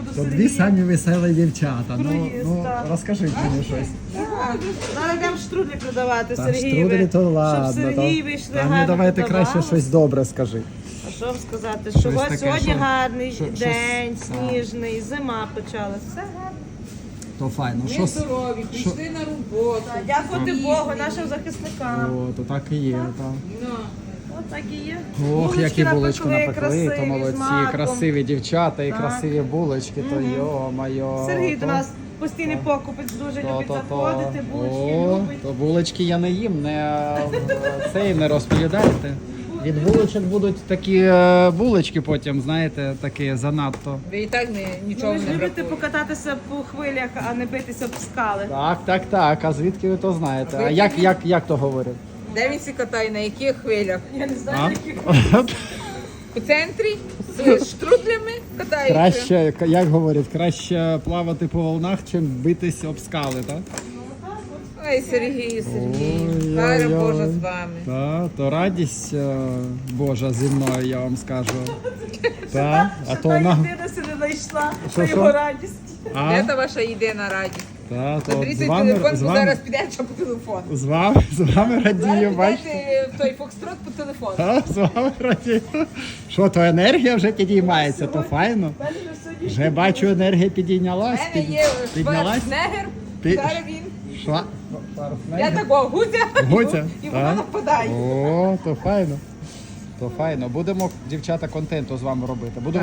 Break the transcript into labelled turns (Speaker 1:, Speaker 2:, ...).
Speaker 1: То дві
Speaker 2: Сергія.
Speaker 1: самі веселі дівчата.
Speaker 2: Круїз, так.
Speaker 1: Розкажіть мені щось.
Speaker 2: Зараз йдемо штрудлі продавати
Speaker 1: Та
Speaker 2: Сергієві.
Speaker 1: штруделі то ладно.
Speaker 2: Щоб Сергій вийшли
Speaker 1: Та мені
Speaker 2: гарно
Speaker 1: давайте
Speaker 2: продавали.
Speaker 1: краще щось добре скажи.
Speaker 2: А що вам сказати? Що
Speaker 1: Щось
Speaker 2: ось
Speaker 1: таке,
Speaker 2: сьогодні
Speaker 1: що-
Speaker 2: гарний
Speaker 1: щось-
Speaker 2: день,
Speaker 1: так.
Speaker 2: сніжний, зима почалась. Все гарно.
Speaker 1: То файно.
Speaker 3: Ми здорові, прийшли на роботу.
Speaker 2: Дякувати Богу, нашим захисникам.
Speaker 1: О, то так і є, так.
Speaker 3: Ну,
Speaker 2: От так і є.
Speaker 1: Ох, які булочки напекли,
Speaker 2: красиві,
Speaker 1: то
Speaker 2: з
Speaker 1: молодці,
Speaker 2: маком.
Speaker 1: красиві дівчата і
Speaker 2: Так.
Speaker 1: красиві булочки, то йо-майо.
Speaker 2: Сергій
Speaker 1: то-
Speaker 2: до нас постійний покупець, дуже любить
Speaker 1: то.
Speaker 2: заходити, булочки
Speaker 1: О,
Speaker 2: любить.
Speaker 1: то булочки я не їм, цей не розповідайте. Від булочок будуть такі булочки потім, знаєте, такі занадто.
Speaker 3: ви і так нічого
Speaker 2: Ви ж
Speaker 3: не
Speaker 2: любите
Speaker 3: бракує.
Speaker 2: покататися по хвилях, а не битися об скали.
Speaker 1: Так. А звідки ви то знаєте? А
Speaker 3: Ви
Speaker 1: як то говорять?
Speaker 3: Де він сі катає, на яких хвилях?
Speaker 2: Я не знаю,
Speaker 1: А?
Speaker 2: яких.
Speaker 3: У центрі з штрудлями катається.
Speaker 1: Краще, як говорять, краще плавати по волнах, чим битись об скали, так?
Speaker 3: Ой, Сергій,
Speaker 1: Ой-ой-ой.
Speaker 3: Хай Боже з вами.
Speaker 1: Так, то радість Божа зі мною, я вам скажу. Так, а
Speaker 2: Що
Speaker 1: то
Speaker 2: та
Speaker 1: на...
Speaker 2: людина си не знайшла
Speaker 1: Що,
Speaker 2: на
Speaker 1: що?
Speaker 2: його радість.
Speaker 1: А?
Speaker 3: Де та ваша єдина радість?
Speaker 1: Та, то от
Speaker 3: Заберіть
Speaker 1: з
Speaker 3: той
Speaker 1: вами,
Speaker 3: телефон,
Speaker 1: з
Speaker 3: бо
Speaker 1: вами,
Speaker 3: зараз підемо ще по телефону.
Speaker 1: з вами радію,
Speaker 3: Зараз
Speaker 1: бачите?
Speaker 3: підете в той фокстрот по телефону.
Speaker 1: Та, з вами радію. Що, то енергія вже підіймається, то файно.
Speaker 2: Мене вже сьогодні
Speaker 1: Вже бачу, енергія
Speaker 3: У
Speaker 1: підійнялась.
Speaker 3: мене є
Speaker 1: Піднялась?
Speaker 3: Шварценеггер,
Speaker 1: Пі-
Speaker 3: зараз він.
Speaker 1: Що?
Speaker 3: Я такого гуця,
Speaker 1: Гуця?
Speaker 3: і вона
Speaker 1: Так.
Speaker 3: нападає.
Speaker 1: О, то файно. То файно. Будемо, дівчата, контенту з вами робити. Буду